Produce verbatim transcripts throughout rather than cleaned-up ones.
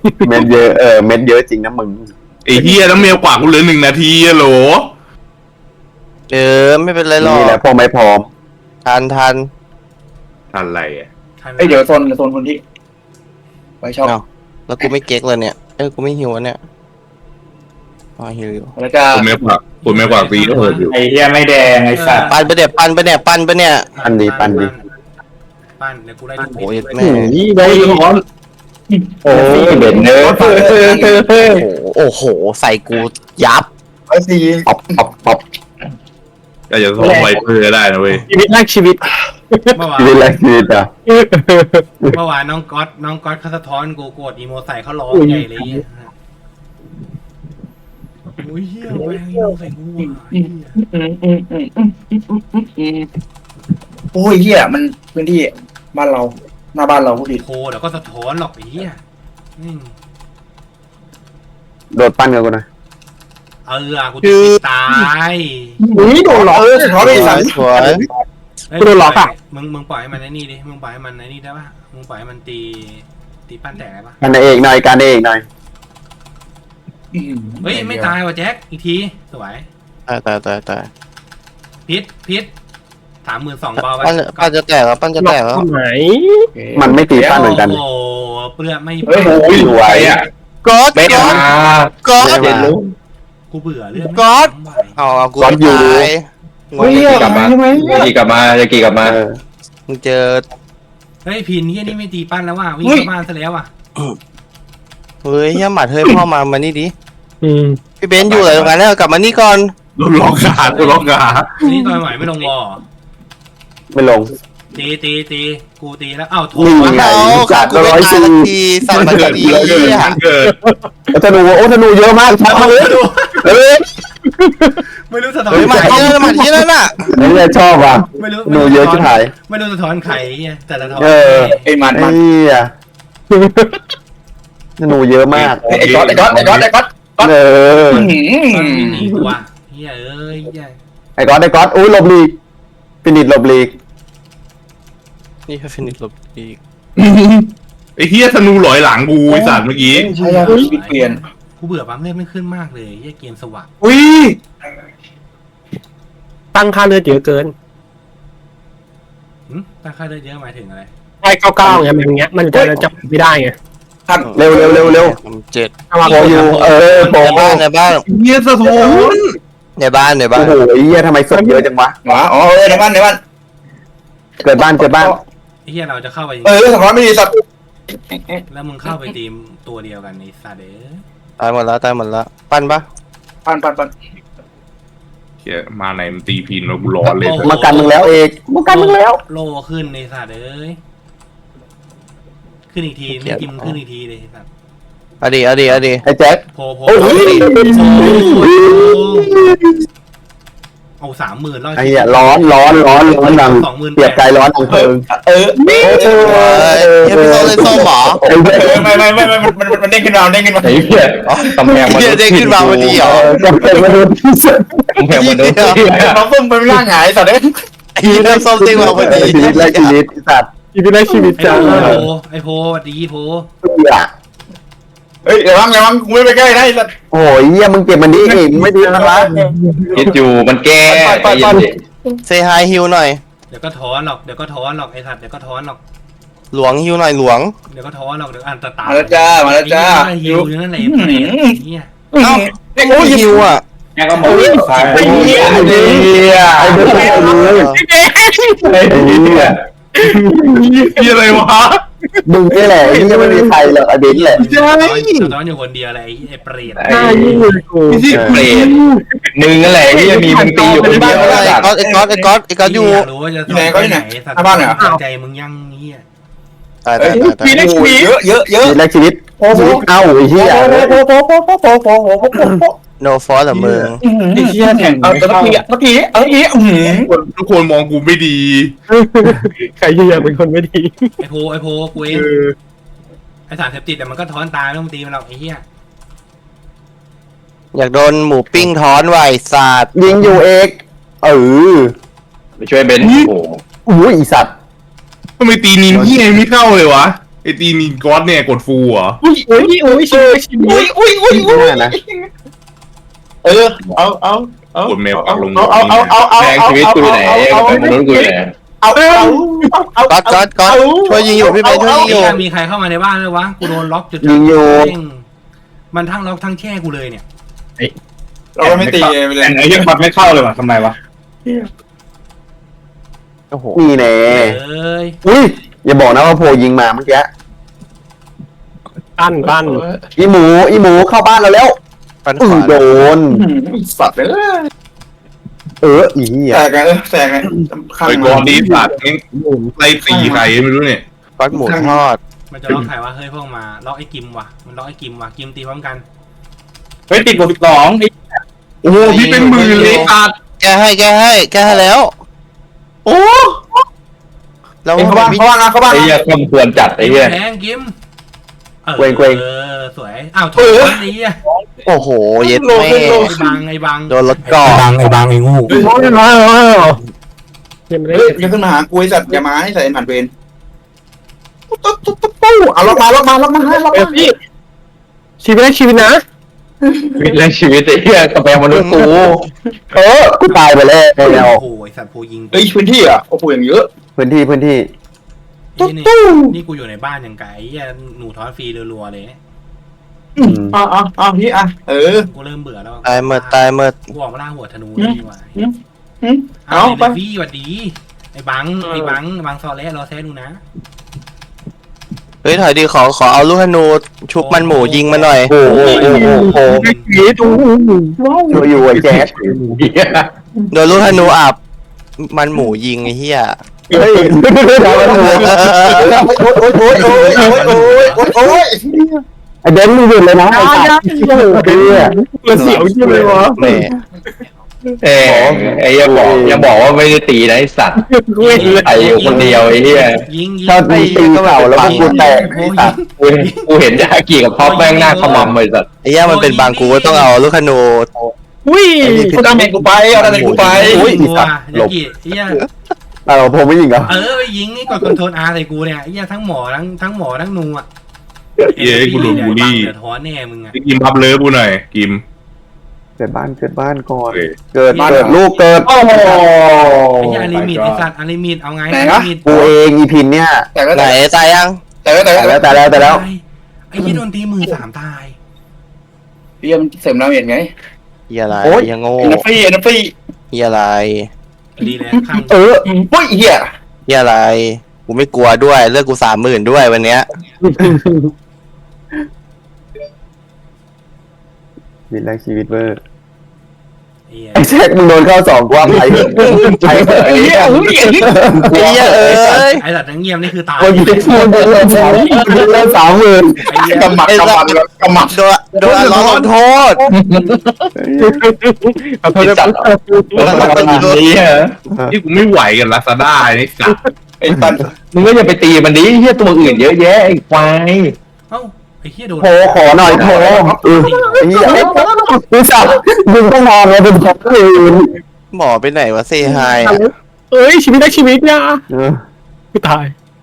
เม็ดเยอะเออเม็ดเยอะจริงนะมึงไอ้เฮียน้ำเมลกว่ากูเหลือหนึ่งนาทีอะโหลเออไม่เป็นไรหรอกนี่แหละพวกไม่พร้อมทันทันอะไรอ่ะเอ้ยเดี๋ยวโซนโซนคนที่ไว้ชอบแล้วกูไม่เก๊กเลยเนี่ยเออกูไม่หิวเนี่ยอ๋อหิวอยู่แล้วก็คุณเมลกว่าคุณเมลกว่าตีเอออยู่ไอ้เหี้ยไม่แดงไอ้สัตว์ปันไปเนี่ยปันไปเนี่ยปันไปเนี่ยปันดีปันดีปั้นเดี๋ยวกูได้ทุกโอ้ยเม็ดแม่นี่โดนร้อนโอ้ยเด่นเนื้อโอ้โหใส่กูยับไอ้ซีป๊อปป๊อปป๊อปก็จะส่งไวเปอร์ได้นะเว้ยชีวิตแรกชีวิตเมื่อวานชีวิตแรกชีวิตอ่ะเมื่อวานน้องก๊อตน้องก๊อตเขาสะท้อนกูโกรธอีโมใส่เขาร้องใหญ่เลยโอ้ยเฮียแม่งอีโมใส่กูอ่ะเหี้ยโอ้ยเหี้ยมันพื้นที่บ้านเราหน้าบ้านเราพูดดิโคเดี๋ยวก็สะท้อนหรอกไอ้เหี้ยอืมโดดปั้นกับกูนะเออกูจะติดตายอุ้ยโดนหลอกเออสะท้อนไปสั่งสวยเฮ้ยกูโดนหลอกอะมึงมึงปล่อยให้มันไอ้นี่ดิมึงปล่อยให้มันไอ้นี่ได้ปะมึงปล่อยให้มันตีตีปั้นแตกได้ปะกันเองหน่อยกันเองหน่อยเฮ้ยไม่ตายว่ะแจ็คอีกทีสวยตายตายตายตายพิษพิษสามหมื่นสองเบาไปปั้นปั้นจะแตกแล้วปั้นจะแตกแล้วไหนมันไม่ตีปั้นเหมือนกันโอ้โหเปลือกไม่เฮ้ยโอ้ยรวยอ่ะก๊อดเบ็ดก๊อมาดก๊อดเห็นรู้กูเบื่อเรื่องก๊อดไม่ไหวเอาเอากูก๊อดอยู่ตายงเฮ้ยงกลับมาทำไมจะกี่กลับมาจะกี่กลับมาเออมึงเจอเฮ้ยพินที่นี่ไม่ตีปั้นแล้วว่ะวิ่งเข้าบ้านซะแล้วว่ะเฮ้ยเฮียหมัดเฮ้ยพ่อมามานี่ดิพี่เบนซ์อยู่ไหนตรงนั้นเนี่ยกลับมานี่ก่อนโดนล็อกขาโดนล็อกขานี่ตอนไหวไม่ลงวอไม่ลงตีตีตีกูตีแล้วอ้าวโถนี่วะไงเอาจัขาดกูไม่ร้อยตายสี่สักทีสั่งมาเกิดทีเกิดเกิดเหี้ยเกิดธนูโอ้ธนูเยอะมากชัดมากเลยเฮ้ยไม่รู้สะท้อนเฮ้ยหมัดใครเยอะหมัดเยอะน่ะนี่เลยชอบว่ะไม่รู้ธนูเยอะชิบหายไม่รู้สะท้อนใครเหี้ยแต่ละท้อนเออไอ้มันไอ้มันเหี้ยธนูเยอะมากไอ้ก๊อตไอ้ก๊อตไอ้ก๊อตไอ้ก๊อตเออตอนวิ่งหนีกูว่ะเหี้ยเอ้ยเหี้ยไอ้ก๊อตไอ้ก๊อตอุ้ยหลบลีกฟินิชหลบลีกนี่คือฟินิชลบอีกไอ้เฮียธนูหลอยหลังกูไอ้สัตว์เมื่อกี้ใช่ครับชีวิตเปลี่ยนกูเบื่อปั๊มเลือดไม่ขึ้นมากเลยเหี้ยเกมสว่างอุ้ยตั้งค่าเลือดเยอะเกินหึตั้งค่าเลือดเยอะหมายถึงอะไรไอ้เก้าเก้าไงมันอย่างเงี้ยมันจะจับไม่ได้ไงท่านเร็วเร็วเร็วเร็วเจ็ดเอามาโปอยู่เออโปในบ้านในบ้านเฮียสะท้อนในบ้านในบ้าโอ้นโหไอ้เหี้ยทำไมศพเยอะจังวะหมาอ๋อเออในบ้านในบ้านเกิดบ้านเกิดบ้านไอ้เหี้ยเราจะเข้าไปเออสะท้อนไม่ดีสัตว์แล้วมึงเข้าไปทีมตัวเดียวกันในซาเดอตายหมดแล้วตายหมดแล้วปั้นปะปันปันปันเฮียมาไหนมันตีพินแล้วกูร้อนเลยมากันมึงแล้วเอกมากันมึงแล้วโลขึ้นในซาเดอขึ้นอีกทีไม่กินขึ้นอีกทีเลยสัตว์เอาดีเอาดีเอาดีไอ้แจ็คโพโพโอ้โหเอาสามหมื่นร้อยไอ้เหี้ยร้อนร้อนร้อนร้อนดังสองหมื่นเปียกใจร้อนดังเพลิงเออเฮ้ยเฮ้ยพี่โซ่เลยส้มหรอไอ้เหี้ยไม่ไม่ไม่ไม่มันมันมันเด้งขึ้นมาเด้งขึ้นมาไอ้เหี้ยกำแพงมันเฮียเด้งขึ้นมาพอดีเหรอจะเป็นมนุษย์ที่สุดกำแพงมันเด้งเราเพิ่มไปร่างหายสัตว์เด้งไอ้เฮียส้มเด้งมาพอดีชีวิตแรกชีวิตสัตว์ชีวิตได้ชีวิตไอจ้าโพไอโพดีโพเหี้ยเฮ้ยเดี๋ยววังเดี๋ยววังกูไม่ไปใกล้ได้สัตว์โอ้ยเหี้ยมึงเก็บมันดีเองไม่ดีนะวะคิดอยู่มันแก้ปันปันปันเซฮายฮิวหน่อยเดี๋ยวก็ถอนหรอกเดี๋ยวก็ถอนหรอกไอสัตว์เดี๋ยวก็ถอนหรอกหลวงฮิวหน่อยหลวงเดี๋ยวก็ถอนหรอกเดี๋ยวอันตตามาแล้วจ้ามาแล้วจ้าฮิวอยู่นั่นแหละเนี่ยเอ้าไม่ฮิวอ่ะแม่ก็มองซ้ายไอ้เหี้ยไอ้เหี้ยไอ้เด็กไอ้เลยไอ้เหี้ยเฮียอะไรวะมึงนี่แหละไอ้เหี้ยไม่มีใครหรอกไอ้เบนซ์แหละถอนถอนอยู่คนเดียวเลยไอเปรตหน้ายิ่งเลยกูไม่ใช่เปรตมึงนั่นแหละที่มีมึงตีอยู่คนเดียวไอ้ก๊อตไอ้ก๊อตไอ้ก๊อตไอ้ก๊อตอยู่อยากรู้ว่าจะสัตว์ใจมึงยังนี่ตายตายตายตายเยอะเยอะเยอะชีวิตแรกชีวิตชีวิตเอ้าไอ้เหี้ยโนฟอสเหรอมึงไอ้เหี้ยแข่งเอาตะกี้ตะกี้เอ้ยอืมทุกคนมองกูไม่ดีใครจะอยากเป็นคนไม่ดีไอโพไอโพกูเองไอสารเสพติดแต่มันก็ถอนตายไม่ต้องตีมันหรอกไอเหี้ยอยากโดนหมูปิ้งท้อนไหวศาสตร์ยิงอยู่เอกเออไปช่วยเบนโอ้โหอุ้ยอีสัตว์ทำไมตีนินเฮียไม่เข้าเลยวะไออ้ตีมีก๊อตเนี่ยกดฟูเหรออุ้ยอุ้ยอุ้ยชิชิอุ้ยอุ้ยอุ้ยอุ้ยนะเออเอาเอาเอากดเมลปักลงเอาเอาเอาเอาเอาแรงชีวิตกูอยู่ไหนกับมนุษย์กูอยู่ไหนเอาเอาเอาก๊อตก๊อตก๊อตช่วยยิงอยู่พี่เบนช่วยยิงอยู่มีใครเข้ามาในบ้านเลยวะกูโดนล็อกจุดยิงอยู่มันทั้งล็อกทั้งแช่กูเลยเนี่ยเราไม่ตีไปเลยไอ้ยังบัตไม่เข้าเลยว่ะทำไมวะโอ้โหนี่แน่เอ้ยอุ้ยอย่าบอกนะว่าโพยิงมาเมื่อกี้ปั้นปั้นอีหมูอีหมูเข้าบ้านเราแล้วปันขอือวาโดนสัตว์เลยเอออีเหี้ยแตกไงเออแตกไงข้างไอ้ก๊อตนี้สัตว์นี่ไล่ตีใครไม่รู้เนี่ยก๊อตหมูทอดมันจะล็อกใครวะเฮ้ยพวกมาล็อกไอ้กิมว่ะมันล็อกไอ้กิมว่ะกิมตีพร้อมกันเฮ้ยติดบวกสิบสองโอ้โหพี่เป็นหมื่นเลยสัตว์แกให้แกให้แกให้แล้ว โอ้แล้วเขาบ้างเขาบ้างเขาบ้างไอ้เหี้ยความควรจัดไอ้เหี้ยแทงกิมเออสวยอ้าวโถนี้อ่ะโอ้โหเย็ดแม่ไอ้บังไอ้บังโดนรถก่อบังไอ้บังไอ้งูโอ้ยมาเห็นไหมเฮ้ยจะขึ้นมาหากูไอ้สัตว์อย่ามาให้ใส่ผ่านเวรตุ๊บตุ๊บตุ๊บปุ๊บเอาล็อกมาล็อกมาล็อกมาล็อกเอมาอพี่ชีวิตแรกชีวิตนะชีวิตแรงชีวิตไอ้เหี้ยกับแมวมนุษย์กูเออกูตายไปแล้วโอ้โหไอ้สัตว์โพยิงเฮ้ยพื้นที่อ่ะโอ้โหอย่างเยอะพื้นที่พื้นที่นี่นี่กูอยู่ในบ้านอย่างไก่ไอ้หนูทอดฟรีรัวๆเลยอืมอ่าอ่าอ่าพี่อ่ะเออกูเริ่มเบื่อแล้วตายเมื่อตายเมื่อกูออกมาล่าหัวธนูดีกว่าเอาเอาไปไปพี่สวัสดีไอ้บังไอ้บังบังซอเล่รอแซ่ดูนะเฮ้ยถอยดีขอขอเอาลูกธนูชุบมันหมูยิงมาหน่อยโอ้โหโอ้โหโอ้โหชีวิตอู้ช่วยอยู่ไอ้แจ๊สเหี้ยโดนลูกธนูอับมันหมูยิงไอ้เหี้ยเฮ้ยโอ้ยโอ้ยโอ้ยโอ้ยโอ้ยโอ้ยโอ้ยโอ้ยไอ้เบนซ์มึงหยุดเลยนะไอ้สัตว์โอ้โหเหี้ยมันเสียวจริงเลยวะแหม่เอ้ยไอ้เหี้ยบอกยังบอกว่าไม่ได้ตีนะไอ้สัตว์กูเห็นเลยไอ้อยู่คนเดียวไอ้เหี้ยยิงยิงถ้ามึงตีเข่าแล้วมึงกูแตกไอ้สัตว์กูกูเห็นยากี่กับท็อปแม่งหน้าขมำเลยสัตว์ไอ้เหี้ยมันเป็นบางกูก็ต้องเอาลูกธนูอุ้ยกูดาเมจกูไปเอาดาเมจกูไปอุ้ยตัวยากิไอ้เหี้ยเราผมไม่ยิงเหรอเออไปยิงนี่กดคอนโทรลอาร์ใส่กูเนี่ยไอ้เหี้ยทั้งหมอทั้งทั้งหมอทั้งนูอ่ะเย้กูโดนบูลลี่เดือดร้อนแน่มึงอ่ะกิมพับเลยกูหน่อยกิมเกิดบ้านเกิดบ้านก่อนโอเคเกิดเกิดลูกเกิดโอ้โหไอ้เหี้ยอลิมิตไอ้สัตว์อลิมิตเอาไงอลิมิตกูเองอีพินเนี่ยแต่ก็ไหนแต่ตายยังแต่ก็แต่แต่ก็แล้วแต่แล้วแต่แล้วไอ้เหี้ยโดนตีมือสามตายพี่มันเสริมดาเมจไงเหี้ยอะไรโอ๊ยเหี้ยโง่เอ็นฟรีเอ็นฟรีเหี้ยอะไรดีเลยข้างเออเฮ้ยเหี้ยเหี้ยอะไรกูไม่กลัวด้วยเลือกกูสามหมื่นด้วยวันเนี้ยชีวิตแรกชีวิตเวอร์ไอ้เหี้ยไอ้แจ็คมึงโดนเข้าสองกว่าไปไปไอ้เหี้ยไอ้เหี้ยเอ้ยไอ้สัตว์ทั้งเงียบนี่คือตายคนยิงคนเดินสามเดินสามหมื่นไอ้เหี้ยกำหมัดกำหมัดกำหมัดโดนโดนร้อนโทษขอโทษด้วยแล้วมันเป็นอย่างนี้ฮะนี่กูไม่ไหวกันลาซาด้าไอ้สัตว์ไอ้ตันมึงก็อย่าไปตีมันดิเหี้ยตัวอื่นเยอะแยะไอ้ควายเอ้าไอ้เหี้ยโดนโผขอหน่อยโผเออไอ้เหี้ยกูสับมึงต้องนอนเลยเป็นของอื่นหมอไปไหนวะเซฮายเอ้ยชีวิตแรกชีวิตเนี่ยเออกูตาย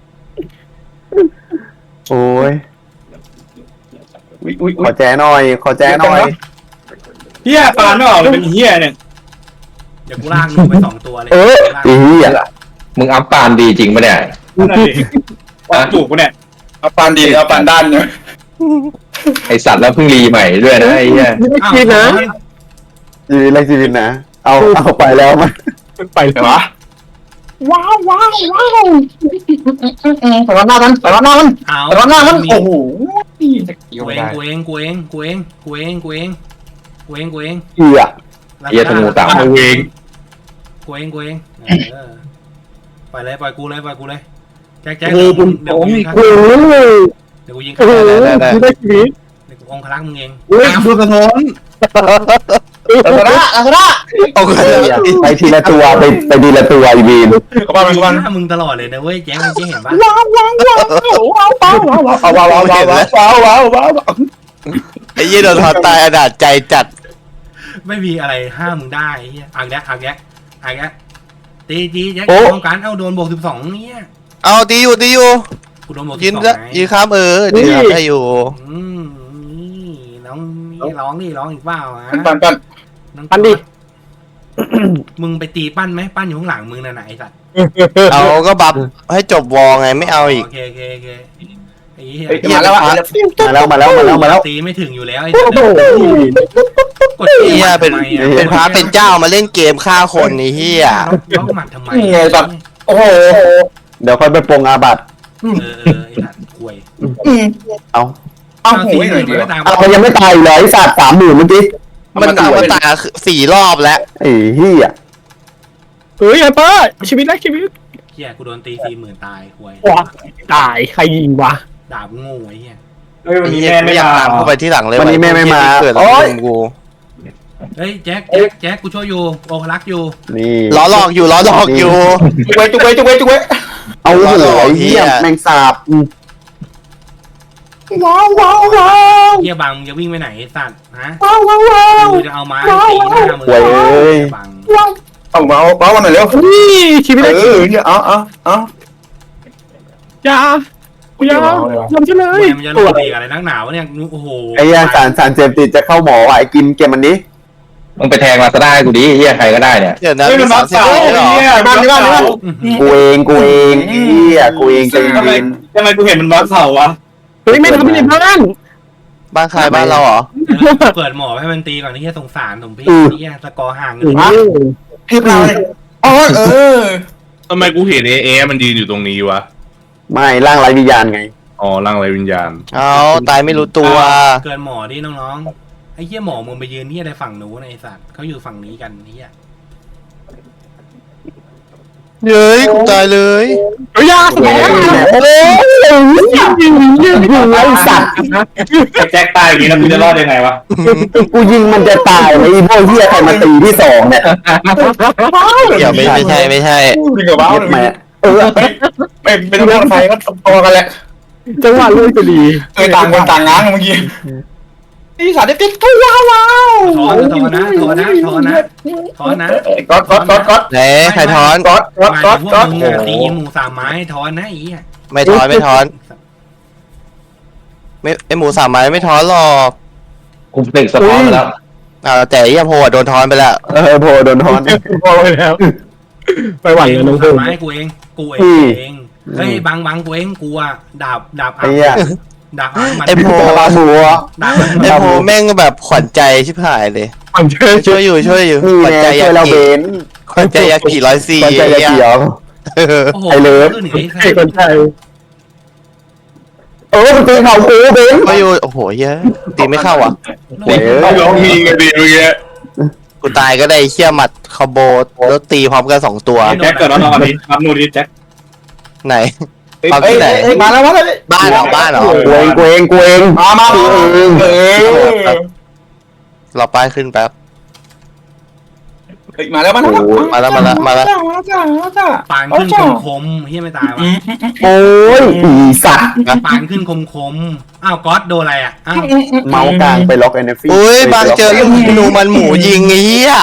โอ้ยอุ้ยอุ้ยขอแจ้หน่อย ขอแจ้หน่อยเหี้ยปานไม่ออกเลยเป็นเหี้ยเนี่ยเดี๋ยวกูลากมึงไปสองตัวเลยเออไอ้เหี้ยมึงอัพปานดีจริงปะเนี่ยปานจูบกูเนี่ยเอาปานดีเอาปานด้านเนี่ยไอสัตว์แล้วเพิ่งรีใหม่ด้วยนะไอ้เหี้ยชีวิตแรกชีวิตนะชีวิตแรกชีวิตนะ เอาเอาไปแล้วมันมันไปเห็นปะว้าวว้าวว้าวใส่ร้อนหน้ามันใส่ร้อนหน้ามันเอาใส่ร้อนหน้ามันโอ้โหกูเองกูเองกูเองกูเองกูเองกูเองกูเองกูเองเหี้ยเหี้ยธนูสามเอาเองกูเองกูเองเออปล่อยเลยปล่อยกูเลยปล่อยกูเลยแจ็คแจ็คเดี๋ยวกูเดี๋ยวกูยิงโอ้ยเดี๋ยวกูยิงโอ้โหชีวิตแรกชีวิตเดี๋ยวกูองคลักษ์มึงเองเฮ้ยดูกระท้อนลาซาด้าลาซาด้าโอ้โหไปทีละตัวไปไปทีละตัวอีบีนกระบาลกระบาลหน้ามึงตลอดเลยนะเว้ยแจ็คมึงจะเห็นปะว้าวว้าวว้าวว้าวว้าวว้าวว้าวว้าวว้าวว้าวว้าวว้าวว้าวไอ้เหี้ยโดนทอดตายอนาจใจจัดไม่มีอะไรห้ามมึงได้ไอ้เหี้ยอ่างแยะอ่างแยะอ่างแยะตีตีแจ็คต้องการเอาโดนบวกสิบสองเนี่ยเอาตีอยู่ตีอยู่กูโดนหมดยืนสองละไงยืนข้ามเออเดี๋ยวได้อยู่อืมนี่น้องนี่ร้องดิร้องอีกเปล่าฮะปั้นปั้นน้องปั้นดิมึงไปตีปั้นไหมปั้นอยู่ข้างหลังมึงน่ะไหนไอ้สัตว์เอาก็บัฟให้จบวอไงไม่เอาอีกโอเคโอเคโอเคไอ้เหี้ยเฮ้ยมาแล้วอ่ะมาแล้วมาแล้วมาแล้วมาแล้วตีไม่ถึงอยู่แล้วไอ้โอ้สัตว์โหกดเฮียเป็นทำไมอะเป็นพระเป็นเจ้ามาเล่นเกมฆ่าคนนี่เฮียล็อกหมัดทำไมนี่ไงสัตว์โอ้โหเดี๋ยวค่อยไปปรงอาบัตเออเออไอ้สัตว์ควยเอาเอาเอาหูตีให้หหน่น่ออย ยเดีเดียยว วตามเอายังไม่ตายอีกเลยไอ้สัตว์สามหมื่นเมื่อกี้มันเอามาตายสี่รอบแล้วไอ้เหี้ยเฮ้ยไอ้เป้าชีวิตแรกชีวิตเหี้ยกูโดนตีสี่หมื่นตายควยว้าตายใครยิงวะดาบโง่ไอ้เหี้ยเฮ้ยวันนี้เฮียแม่ไม่ไม่อยากมาตามเข้าไปที่หลังเลยวันนี้แม่ไม่มาเกิดอะไรโอ๊ยขึ้นกูเฮ้ยแจ็คแจ็คแจ็คกูช่วยอยู่โอคลักอยู่นี่ล้อหลอกอยู่ล้อหลอกอยู่จุกเว้ยจุกเว้ยจุกเว้ยจุกเว้ยเอาหัวไอ้เหี้ยแมงสาบว้าวว้าวว้าวเหี้ยบังมึงจะวิ่งไปไหนไอ้สัตว์ฮะว้าวว้าวว้าวกูจะเอาไม้ตีหน้ามึงหวยเอ้ยบังเอามาเอาเอามาหน่อยเร็วนี่ชีวิตเอแรกชีอวิตเนี่ยเอาเอาเอาอยาอยาทำฉันเลเว้ยยมันจะลงตีอะไรนักหนาวะเนี่ยโอ้โหไอ้เหี้ยสารสารเสพติดจะเข้าหมอว่ะไอ้กินเกมมันนี้มึงไปแทงมาซะได้กูดิเฮียใครก็ได้เนี่ยเดี๋ยวนะมีสามสิบเลยเหรอบ้านที่บ้านที่บ้านกูเองกูเองไอ้เหี้ยกูเองใจทำไมเย็นทำไมกูเห็นมันวัดเสาวะเฮ้ยไม่ทำไม่ได้บ้านบ้านใครบ้านเราเหรอเปิดหมอให้มันตีก่อนนี่เหี้ยสงสารสมพี่นี่เหี้ยสกอร์ห่างกันโอ้เลยโหเทพเราเลยอ๋อเออทำไมกูเห็นเอเอมันยืนอยู่ตรงนี้วะไม่ร่างไร้วิญญาณไงอ๋อร่างไรวิญญาณเอาตายไม่รู้ตัวเกินหมอดิน้องๆไอ้เหี้ยหมอมึงไปยืนที่อะไรฝั่งนู้นไอ้สัตว์เขาอยู่ฝั่งนี้กันเหี้ยเย้ยกูตายเลยเฮ้ยยาสมองโอ้ยยิงยิงยิงยิงไอ้สัตว์แจ็คตายอย่างนี้แล้วกูจะรอดยังไงวะกูยิงมันจะตายเลยไอ้พวกเหี้ยใครมาตีที่สองเนี่ยเดี๋ยวไม่ไม่ใช่ไม่ใช่ดีกว่าบ้าเย็ดแม่เออไม่ไม่ต้องรถไฟก็พอกันแหละจังหวะลุยก็ดีเออต่างคนต่างง้างเมื่อกี้นี่สารได้ติดตัวว้าวว้าวถอนถอนนะถอนนะถอนนะถอนนะก๊อตก๊อตก๊อตก๊อตไหนใครถอนก๊อตก๊อตหมายก๊อตถึงพวก๊อก ตมึงอะตีหมูสามไม้ถอนนะไอ้เหี้ยไม่ถอนไม่ถอน ไม่ไอหมูสามไม้ไม่ถอนหรอกกูตึกสปอร์ตไปแล้วอ่าแต่ไอ้เหี้ยโพอะโดนถอนไปแล้วเออโผล่โดนทอนพอไปแล้วไปหวั่นเลยน้องสาเพิ่มมไม้กูเองกูเออืมงเฮ้ยบังบังกูเองกูอะดาบดาบไอ้เหี้ยดาบมันไอโพปลาหัวดาบมันไอโพแม่งแบบขวัญใจชิบหายเลยหวั่นเชื่อช่วยอยู่ช่วยอยู่นี่ขวัญไงใจช่วยยาเราเบกินขวัญใจยากิร้อยสี่ตอนใจจะเขียวโอ้โหไอ้เลิฟขึ้นหนึ่งไอ้ใครคนไทยเออมันตีเขากูเบนก็อยู่โอ้โหเหี้ยตีไม่เข้าอ่ะเว้ยร้องมีกันดีเมื่อกี้กูตายก็ได้เชี่ยหมัดคอมโบแล้วตีพร้อมกันสองตัวแจ็คเกิดแล้วนอนดิรับนูดิแจ็คไหนเอ้ยเอาที่ไหนเอ้ยมาแล้วมาแล้วบ้านเหรอบ้านเหรอกูเองกูเองกูเองมามาเออเออรอป้ายขึ้นแป๊บเฮ้ยมาแล้วมาแล้วมาแล้วมาแล้วมาแล้วมาจ้ามาจ้าปานขึ้นคมคมๆเฮียไม่ตายวะโอ้ยอีสัตว์ปานขึ้นคมคมๆอ้าวก๊อตโดนอะไรอ่ะอ้าวเมาส์กลางไปล็อกเอ็นเอฟอุ้ยบางเจอลูกธนูมันหมูยิงไอ้เหี้ย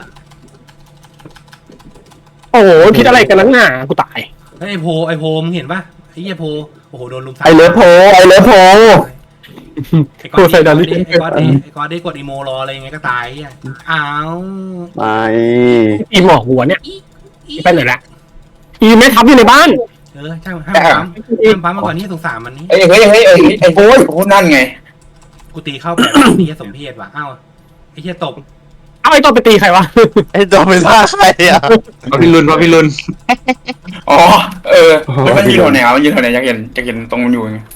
โอ้โหคิดอะไรกันนักหนากูตายเฮ้ยไอโพไอโพมึงเห็นปะไอ้เหี้ยโพโอ้โหโดนลุมไอเลิฟโพไอเลิฟโพไอ้ก๊อตดิไอ้ก๊อตดิไอ้ก๊อตดิกดอีโมรออะไรยังไงก็ตายเฮียอ้าวไม่อีหมอกหัวเนี่ยไปไหนละอีไม่ทับอยู่ในบ้านเออช่างห้ามปั๊มห้ามปั๊มมาก่อนนี่สงสารมันนี่เฮ้ยเฮ้ยเฮ้ยเฮ้ยไอ้โอ้ยโอ้นั่นไงกูตีเข้าแบบนี้สมเพศว่ะอ้าวไอ้เหี้ยตบเอาไอ้ตัวไปตีใครวะไอ้ตัวเป็นท่าใครอ่ะพระพิรุณพระพิรุณอ๋อเออแล้วมันยืนแถวไหนอ่ะมันยืนแถวไหนอยากเห็นอยากเห็นตรงมันอยู่ไง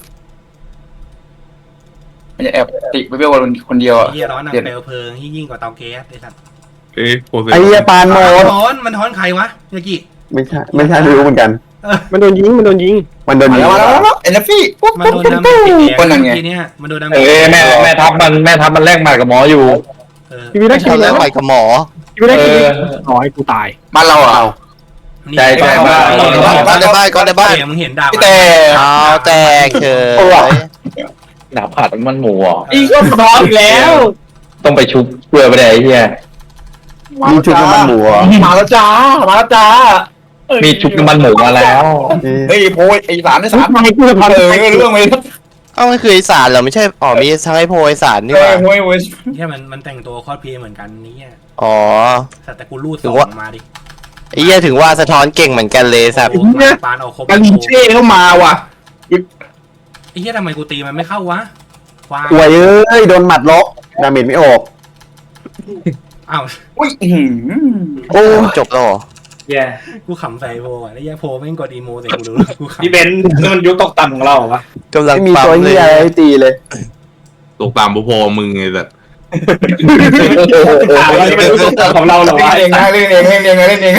มันจะแอบติไปเบี้ยวคนเดียวไอ้อ่ะเหี้ยร้อนหนักเปลวเพลิงยิ่งกว่าเตาแก๊สไอ้สัตว์เอ้ยโปรเซสไอเหี้ยปานโมมันดท้อนมันท้อนใครวะยากิไม่ใช่ไม่ใช่ไม่รู้เหมือนกันมันโดนยิงมันโดนยิงมันโดนมายิงแล้วมาแล้วมาแล้วเอ็นเอฟฟี่ปุ๊บมันปุ๊บโดนปุ๊บดาเมปุ๊จบติดแดงคนนั้นไงทีเนี้ยมันโดนดาเมจเอ้ยแม่แม่ทับมันแม่ทับมันแลกหมัดกับหมออยู่เออชีวิตแรกชีตอวินตแรแรกกไปกับหมอชีวิตแรกชีวิตเออขอให้กูตายบ้านเราอ่ะนี่ใจใจมากก็ได้บ้านก็ได้บ้านเดี๋ยวมึงเห็นดาบพี่แต่เอาแตกเฉยหนาผัดมันหมูอ่ะอีกก็สะท้อนอีกแล้วต้องไปชุบเปลือยไปไหนไอ้เหี้ยยิงชุดน้ำมันหมูอะมาแล้วจ้ามาแล้วจ้ามีชุบน้ำมันหมูมาแล้วเฮ้ยโพยไอ้สารไอ้สารทำไมกูจะทำเออเรื่องเลยเอ้ามันคือไอสารเหรอไม่ใช่อ๋อมีทั้งไอโพไอสารนี่เอหอว่าโวยโวยเฮียมันมันแต่งตัวคอสเพลย์เหมือนกันนี่อ่ะอ๋อแต่แต่กูรูดถึส่งว่างมาดิไอ้เหี้ยถึงว่าสะท้อนเก่งเหมือนกันเลยสัตว์โอ้โหปานเอาครบกาลินเช่เข้ามาว่ะไอ้เฮียทำไมกูตีมันไม่เข้าวะควายป่วยเอ้ยโดนหมัดล็อกดาเมจไม่ออกอ้าวอุ้ยอื้อหือโอ้จบแล้วเหรอแย่กูขำใส่โพอ่ะไอ้เฮียโพแม่งกดอีโมใส่กูดูกูขำพี่เบนซ์นี่มันยุคตกต่ำของเราเหรอวะกำลังไม่มีปั๊ตัวมเลเหี้ยยอะไรให้ตีเลยตกตามพอๆมึงไงแต่ถามว่านี่มันยุคตกต่ำของเราเหรอวะเล่นเองนะเล่นเองเล่นเองเล่นเอง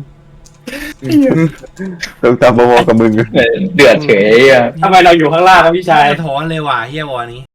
ต้องตามพอๆกับมึงเดือดเฉยอ่ะทำไมเราอยู่ข้างล่างวะพี่ชายสะท้อนเลยว่ะเฮียวอนี้